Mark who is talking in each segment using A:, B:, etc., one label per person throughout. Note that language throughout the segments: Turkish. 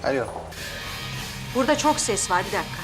A: Alo.
B: Burada çok ses var, bir dakika.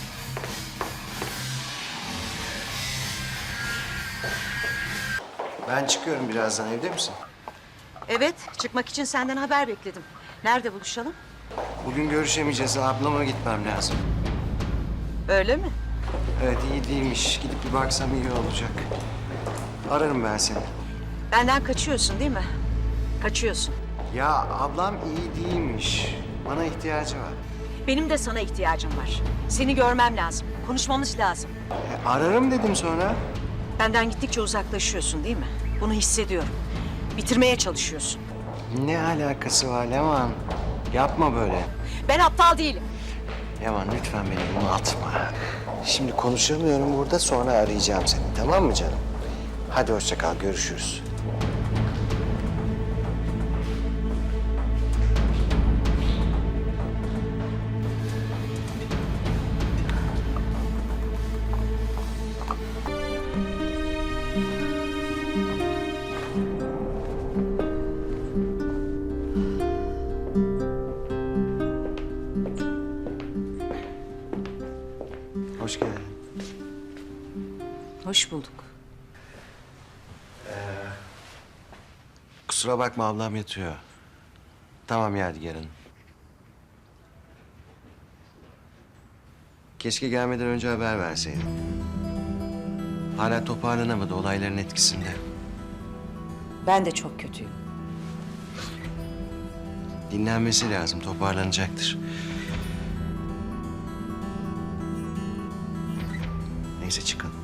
A: Ben çıkıyorum birazdan. Evde misin?
B: Evet, çıkmak için senden haber bekledim. Nerede buluşalım?
A: Bugün görüşemeyeceğiz. Ablama gitmem lazım.
B: Öyle mi?
A: Evet, iyi değilmiş. Gidip bir baksam iyi olacak. Ararım ben seni.
B: Benden kaçıyorsun değil mi? Kaçıyorsun.
A: Ya ablam iyi değilmiş. Bana ihtiyacı var.
B: Benim de sana ihtiyacım var. Seni görmem lazım. Konuşmamız lazım.
A: Ararım dedim sonra.
B: Benden gittikçe uzaklaşıyorsun değil mi? Bunu hissediyorum. Bitirmeye çalışıyorsun.
A: Ne alakası var Leman? Yapma böyle.
B: Ben aptal değilim.
A: Leman lütfen beni bunu atma. Şimdi konuşamıyorum burada, sonra arayacağım seni. Tamam mı canım? Hadi hoşça kal, görüşürüz. Hoş geldin.
B: Hoş bulduk.
A: Kusura bakma, ablam yatıyor. Tamam Yadigar Hanım. Keşke gelmeden önce haber verseydin. Hala toparlanamadı, olayların etkisinde.
B: Ben de çok kötüyüm.
A: Dinlenmesi lazım, toparlanacaktır. Neyse çıkalım.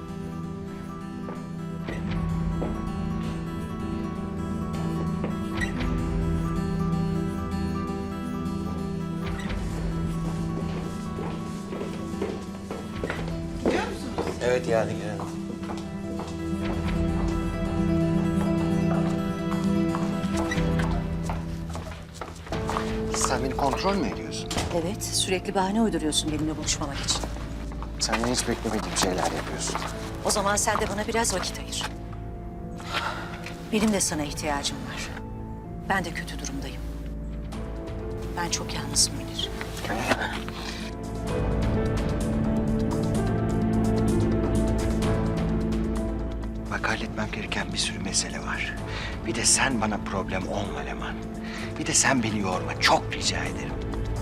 C: Gidiyor musunuz?
A: Evet Yadigar Hanım. Sen beni kontrol mü ediyorsun?
B: Evet, sürekli bahane uyduruyorsun benimle buluşmamak için.
A: Senden hiç beklemediğim şeyler yapıyorsun.
B: O zaman sen de bana biraz vakit ayır. Benim de sana ihtiyacım var. Ben de kötü durumdayım. Ben çok yalnızım Münir.
A: Bak, halletmem gereken bir sürü mesele var. Bir de sen bana problem olma Leman. Bir de sen beni yorma, çok rica ederim.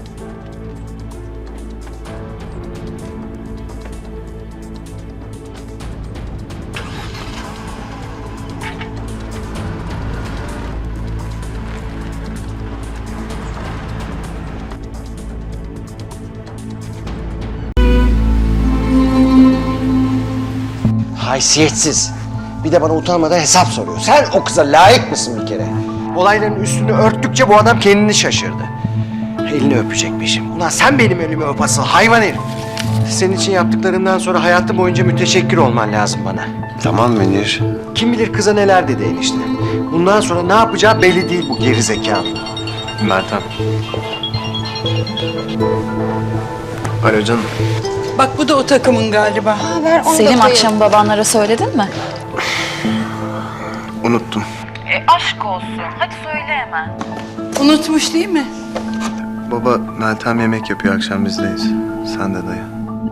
A: Haysiyetsiz. Bir de bana utanmadan hesap soruyor. Sen o kıza layık mısın bir kere? Olayların üstünü örttükçe bu adam kendini şaşırdı. Elini öpecekmişim. Ulan sen benim elimi öp asıl hayvan herif. Senin için yaptıklarımdan sonra hayatım boyunca müteşekkir olman lazım bana.
D: Tamam Münir.
A: Kim bilir kıza neler dedi enişte. Bundan sonra ne yapacağı belli değil bu geri zekalı.
D: Meltem. Alo canım.
C: Bak bu da o takımın galiba.
E: Selim, akşam babanlara söyledin mi?
D: Unuttum.
E: Aşk olsun. Hadi söyle hemen.
C: Unutmuş değil mi?
D: Baba Meltem yemek yapıyor, akşam bizdeyiz. Sen de dayı.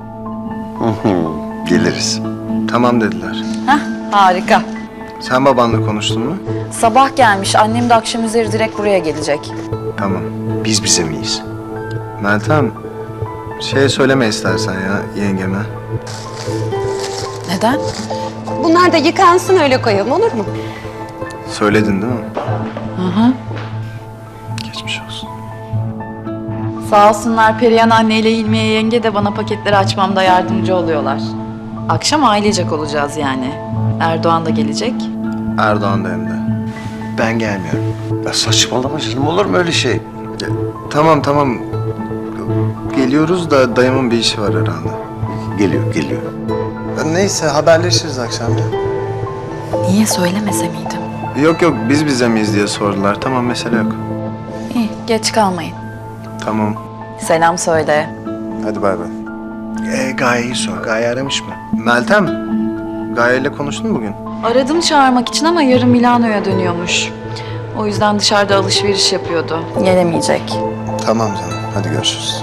D: Geliriz. Tamam dediler.
E: Hah, harika.
D: Sen babanla konuştun mu?
E: Sabah gelmiş. Annem de akşam üzeri direkt buraya gelecek.
D: Tamam.
A: Biz bize miyiz?
D: Meltem, söyleme istersen ya yengeme.
E: Neden?
F: Bunlar da yıkansın öyle koyalım, olur mu?
D: Söyledin değil mi?
E: Hı hı.
D: Geçmiş olsun.
E: Sağ olsunlar, Perihan anneyle İlmiye yenge de bana paketleri açmamda yardımcı oluyorlar. Akşam ailecek olacağız yani. Erdoğan da gelecek.
D: Erdoğan da hem de.
A: Ben gelmiyorum.
D: Ya saçmalama canım, olur mu öyle şey? Tamam. Geliyoruz da dayımın bir işi var herhalde.
A: Geliyor.
D: Neyse haberleşiriz akşam ya.
E: Niye söylemese miydim?
D: Yok biz bize miyiz diye sordular. Tamam, mesele yok.
E: İyi, geç kalmayın.
D: Tamam.
E: Selam söyle.
D: Hadi bay bay.
A: Gaye'yi sor. Gaye aramış mı?
D: Meltem, Gaye ile konuştun mu bugün?
E: Aradım çağırmak için ama yarın Milano'ya dönüyormuş. O yüzden dışarıda alışveriş yapıyordu. Gelemeyecek.
D: Tamam canım.
G: Hadi görüşürüz.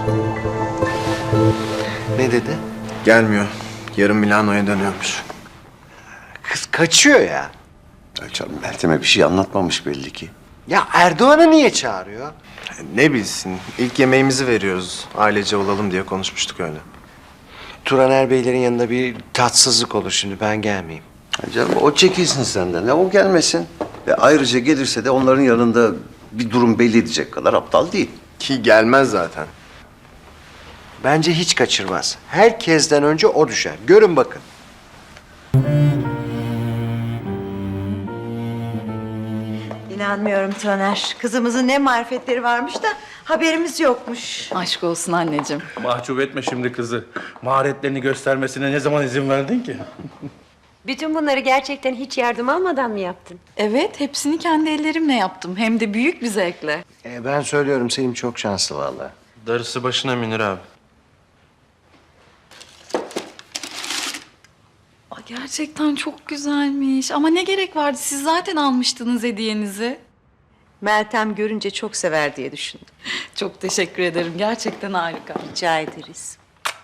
A: Ne dedi?
D: Gelmiyor. Yarın Milano'ya dönüyormuş.
A: Kız kaçıyor ya.
G: Ya canım Meltem'e bir şey anlatmamış belli ki.
A: Ya Erdoğan'ı niye çağırıyor?
D: Ne bilsin, ilk yemeğimizi veriyoruz. Ailece olalım diye konuşmuştuk öyle.
A: Turaner Beylerin yanında bir tatsızlık olur şimdi, ben gelmeyeyim.
G: Ya canım o çekilsin senden. Ya o gelmesin. Ve ayrıca gelirse de onların yanında bir durum belli edecek kadar aptal değil.
D: Ki gelmez zaten.
A: Bence hiç kaçırmaz. Herkesten önce o düşer. Görün bakın.
H: İnanmıyorum Taner. Kızımızın ne marifetleri varmış da haberimiz yokmuş.
E: Aşk olsun anneciğim.
I: Mahcup etme şimdi kızı. Maharetlerini göstermesine ne zaman izin verdin ki?
F: Bütün bunları gerçekten hiç yardım almadan mı yaptın?
E: Evet, hepsini kendi ellerimle yaptım. Hem de büyük bir zevkle.
A: Ben söylüyorum, Selim çok şanslı vallahi.
D: Darısı başına Münir abi.
E: Aa, gerçekten çok güzelmiş. Ama ne gerek vardı? Siz zaten almıştınız hediyenizi.
H: Meltem görünce çok sever diye düşündüm.
E: Çok teşekkür ederim. Gerçekten harika.
H: Rica ederiz.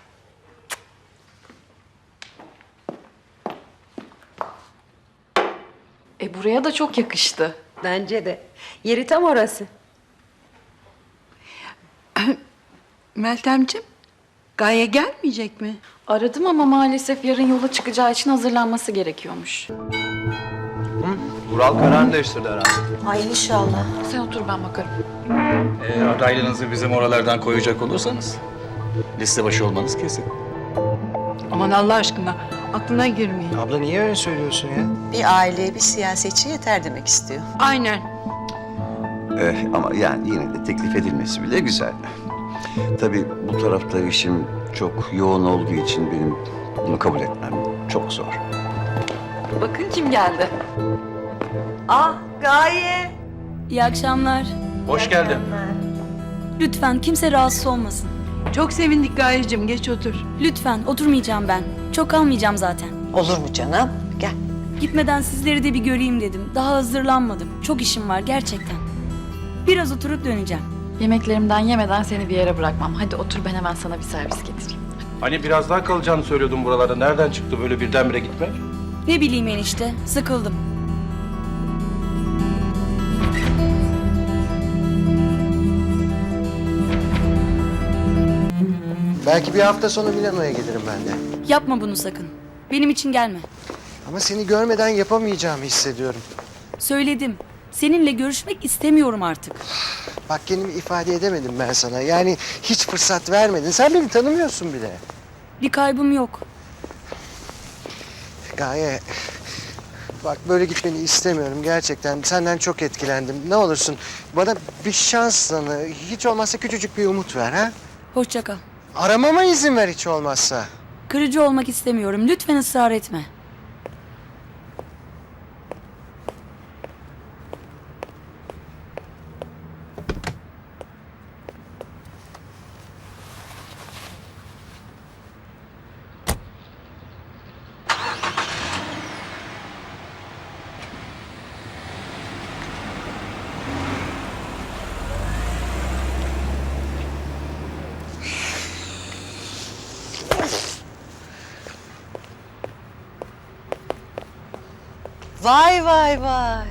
E: Buraya da çok yakıştı.
F: Bence de. Yeri tam orası.
C: Meltemciğim, Gaye gelmeyecek mi?
E: Aradım ama maalesef yarın yola çıkacağı için hazırlanması gerekiyormuş.
D: Vural kararını değiştirdi herhalde.
H: Ay inşallah.
E: Sen otur, ben bakarım.
I: Eğer adaylığınızı bizim oralardan koyacak olursanız liste başı olmanız kesin.
C: Aman Allah aşkına, aklına girmeyin.
A: Abla niye öyle söylüyorsun ya?
H: Bir aileye bir siyasetçi yeter demek istiyor.
C: Aynen.
G: Ama yani yine de teklif edilmesi bile güzel. Tabii bu tarafta işim çok yoğun olduğu için benim bunu kabul etmem çok zor.
E: Bakın kim geldi.
H: Ah Gaye.
J: İyi akşamlar.
I: Hoş geldin.
J: Lütfen kimse rahatsız olmasın.
C: Çok sevindik Gayeciğim, geç otur.
J: Lütfen oturmayacağım ben. Çok kalmayacağım zaten.
H: Olur mu canım? Gel.
J: Gitmeden sizleri de bir göreyim dedim. Daha hazırlanmadım. Çok işim var gerçekten. Biraz oturup döneceğim.
E: Yemeklerimden yemeden seni bir yere bırakmam. Hadi otur, ben hemen sana bir servis getireyim.
I: Hani biraz daha kalacağını söylüyordun buralarda. Nereden çıktı böyle birdenbire gitmek?
J: Ne bileyim enişte. Sıkıldım.
A: Belki bir hafta sonra Milano'ya gelirim ben de.
J: Yapma bunu sakın. Benim için gelme.
A: Ama seni görmeden yapamayacağımı hissediyorum.
J: Söyledim. Seninle görüşmek istemiyorum artık.
A: Bak kendimi ifade edemedim ben sana. Yani hiç fırsat vermedin. Sen beni tanımıyorsun bile.
J: Bir kaybım yok.
A: Gaye, bak böyle gitmeni istemiyorum gerçekten. Senden çok etkilendim. Ne olursun bana bir şans tanı. Hiç olmazsa küçücük bir umut ver ha.
J: Hoşça kal.
A: Aramama izin ver hiç olmazsa.
J: Kırıcı olmak istemiyorum. Lütfen ısrar etme.
H: Vay vay vay.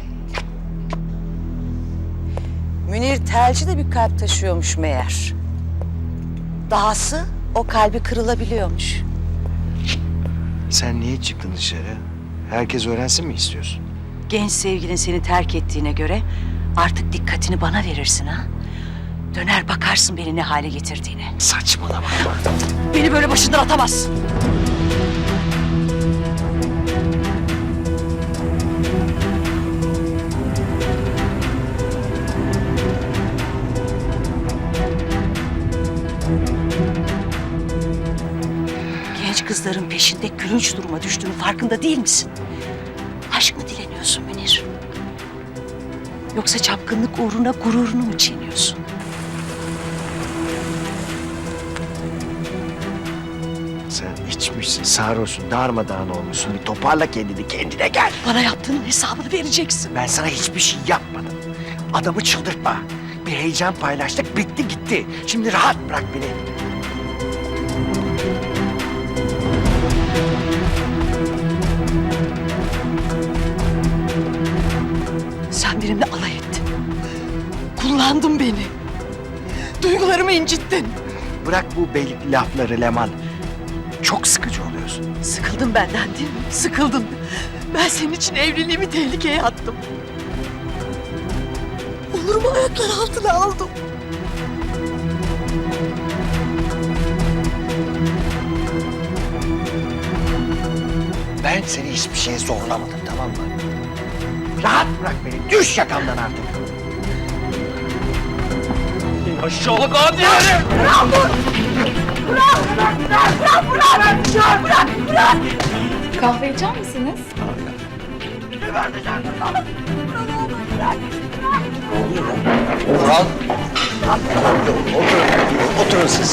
H: Münir Telci de bir kalp taşıyormuş meğer. Dahası o kalbi kırılabiliyormuş.
A: Sen niye çıktın dışarı? Herkes öğrensin mi istiyorsun?
B: Genç sevgilin seni terk ettiğine göre artık dikkatini bana verirsin ha. Döner bakarsın beni ne hale getirdiğine.
A: Saçmalama.
B: Beni böyle başından atamazsın. Genç kızların peşinde gülünç duruma düştüğünün farkında değil misin? Aşk mı dileniyorsun Münir? Yoksa çapkınlık uğruna gururunu mu çiğniyorsun?
A: Sen içmişsin, sarhoşsun, darmadağın olmuşsun. Bir toparla kendini, kendine gel.
B: Bana yaptığının hesabını vereceksin.
A: Ben sana hiçbir şey yapmadım. Adamı çıldırtma. bir heyecan paylaştık, bitti gitti. Şimdi rahat bırak beni.
B: Sen benimle alay ettin. Kullandın beni. Duygularımı incittin.
A: Bırak bu beylik lafları Leman. Çok sıkıcı oluyorsun.
B: Sıkıldın benden değil mi? Sıkıldın. Ben senin için evliliğimi tehlikeye attım. Onurumu ayaklar altına aldım.
A: Ben seni hiçbir şeye zorlamadım, tamam mı? Rahat bırak beni, düş yakamdan artık. Aşağılık adi herif!
E: Kahve içer misiniz?
A: Orhan! Oturun siz.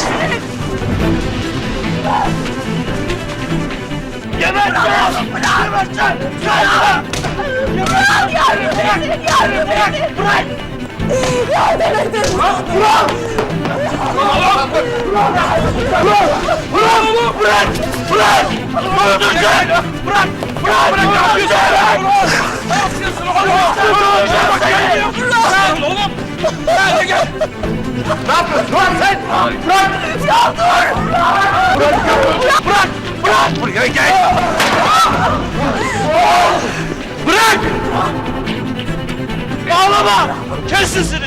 A: Buraya gel! Bırak! Ağlama! Kes sesini!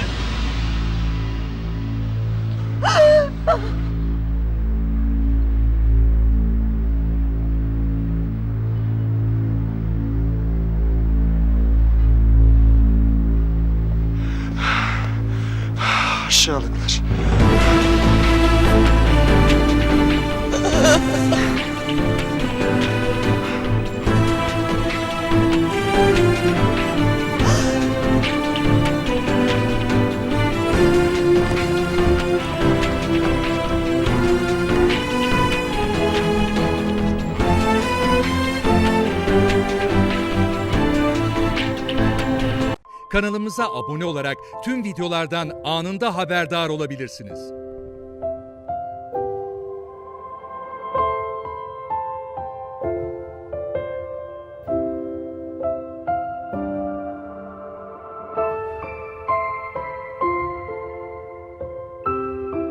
A: Aşağılıklar.
K: Kanalımıza abone olarak tüm videolardan anında haberdar olabilirsiniz.